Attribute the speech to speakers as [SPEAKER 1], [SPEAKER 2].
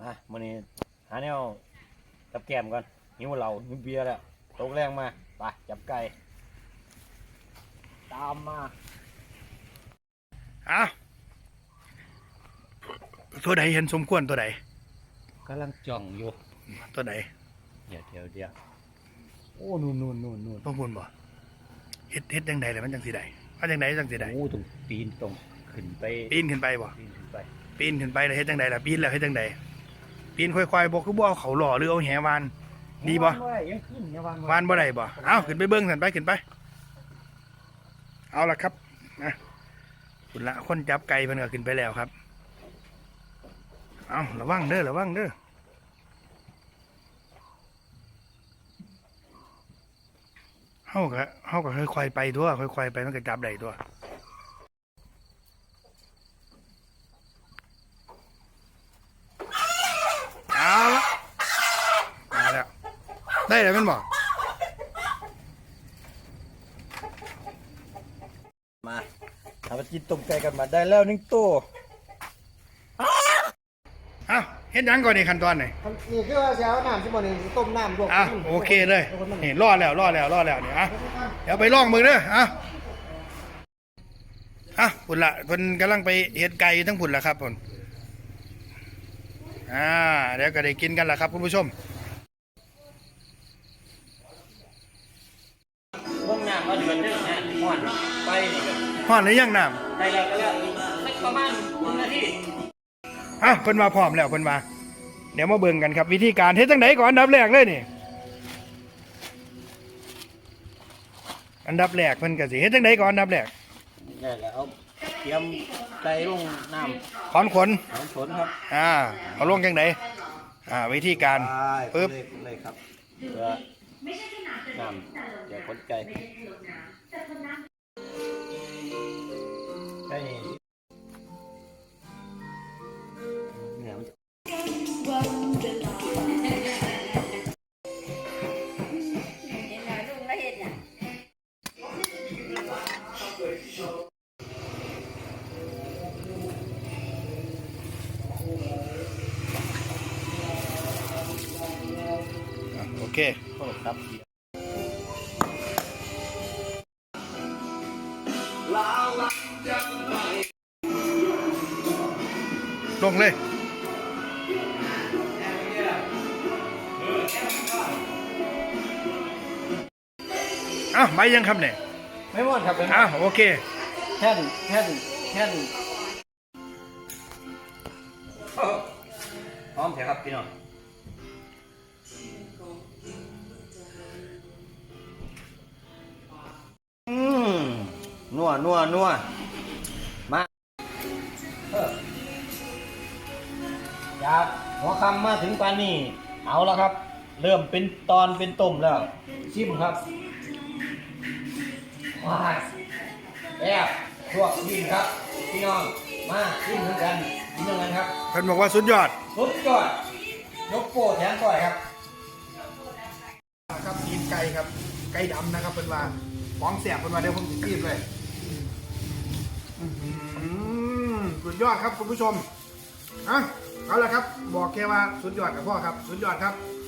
[SPEAKER 1] มื้อนี้หาแนวกับแก้มก่อนหิวเหล้าหิวเบียร์แล้วตกแรงมาไปจับไก่ตามมา
[SPEAKER 2] ตัวใดเห็นสมควรตัวใด
[SPEAKER 1] กำลังจ้องอยู่
[SPEAKER 2] ตัวใด
[SPEAKER 1] เดี๋ยวโอ้นู่น
[SPEAKER 2] ต้องพูนบ่เฮ็ดจังใดเลยมันจังสิได้ว่าจังใดจังสิได้
[SPEAKER 1] โอ้ตรงปีนตรงขึ้นไป
[SPEAKER 2] ปีนขึ้นไปบ่
[SPEAKER 1] ปีนขึ้นไป
[SPEAKER 2] แล้วเฮ็ดจังใดล่ะปีนแล้วเฮ็ดจังใดปีนค่อยๆบ่คือบ่เอาเขาหล่อหรือเอาแหวานดีบ่
[SPEAKER 1] ยังขึ้น
[SPEAKER 2] วานบ่ได้บ่เอาขึ้นไปเบิ่งซั่นไปขึ้นไปเอาล่ะครับนะคุณละคนจับไก่เพิ่นก็ขึ้นไปแล้วครับเอาระวังเด้อเฮาก็ค่อยๆไปทั่วค่อยๆไปมันก็จับได้ตัวเอาละมาแล้วได้แล้วแม่นบ่
[SPEAKER 1] มาทำกินต้มไก่กันมาได้แล้ว1ตัว
[SPEAKER 2] เฮ็ดยังก่อนในขั้นตอนไหน
[SPEAKER 3] นี่คือว่าจะเอาน้ำที่มันต้มน้ำลวก
[SPEAKER 2] โอเคเลยนี่รอดแล้วเนี่ยเดี๋ยวไปลองมือเด้อพุ่นละเพิ่นกำลังไปเฮ็ดไก่ทั้งพุ่นละครับพุ่นเดี๋ยวก็ได้กินกันละครับคุณผู้ชม
[SPEAKER 1] ต้มน้ำก็เดือดเด้อนะห่อนไปนี่ก็
[SPEAKER 2] ฮ้อนหรือยังน้
[SPEAKER 1] ำได้แล้วสักประมาณ1 นาที
[SPEAKER 2] เพิ่นมาพร้อมแล้วเพิ่นมาเดี๋ยวมาเบิ่งกันครับวิธีการเฮ็ดจังไดก่อนอันดับแรกเลยนี่อันดับแรกเพิ่นก็สิเฮ็ดจังไดก่อนอันดับแรก
[SPEAKER 1] ได้แล้วเอาเตรียมไก่ลงน้
[SPEAKER 2] ำถอนขน
[SPEAKER 1] ครับ
[SPEAKER 2] เอาลงจังไดวิธีการปึ๊บ
[SPEAKER 1] เลยครับเพื่อน้ำเดี๋ยวขนไก่
[SPEAKER 2] โอเค
[SPEAKER 1] ครับ
[SPEAKER 2] ลงเลยใบยังครับเนี่ย
[SPEAKER 1] ไม่หมดครับ
[SPEAKER 2] โอเค
[SPEAKER 1] แค่นพร้อมเถอะครับพี่น้องนัวมาจากหัวค่ำมาถึงปานนี้เอาแล้วครับเริ่มเป็นตอนเป็นต้มแล้วชิมครับว้ายพวกชิมครับพี่น้องมาชิมเหมือนกันกินยังไงครับ
[SPEAKER 2] เพิ่นบอกว่าสุดยอด
[SPEAKER 1] ยกโป้แทนก่อยครับ
[SPEAKER 2] กินไก่ครับไก่ดำนะครับเพิ่นว่าของแสบเพิ่นว่าเดี๋ยวผมจะกินเลยสุดยอดครับคุณผู้ชมเอาละครับบอกแค่ว่าสุดยอดกับพ่อครับสุดยอดครับ